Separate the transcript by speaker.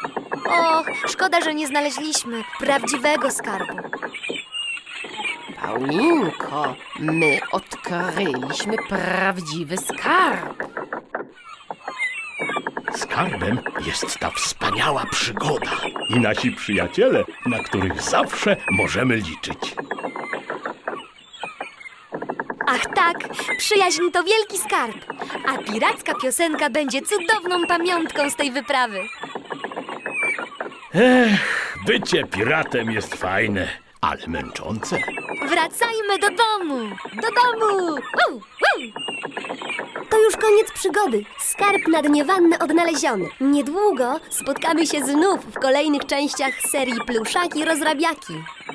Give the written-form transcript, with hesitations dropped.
Speaker 1: Och, szkoda, że nie znaleźliśmy prawdziwego skarbu.
Speaker 2: Paulinko, my odkryliśmy prawdziwy skarb.
Speaker 3: Skarbem jest ta wspaniała przygoda i nasi przyjaciele, na których zawsze możemy liczyć.
Speaker 1: Ach tak, przyjaźń to wielki skarb, a piracka piosenka będzie cudowną pamiątką z tej wyprawy.
Speaker 3: Bycie piratem jest fajne, ale męczące.
Speaker 1: Wracajmy do domu! Do domu!
Speaker 4: To już koniec przygody. Skarb na dnie wanny odnaleziony. Niedługo spotkamy się znów w kolejnych częściach serii Pluszaki Rozrabiaki.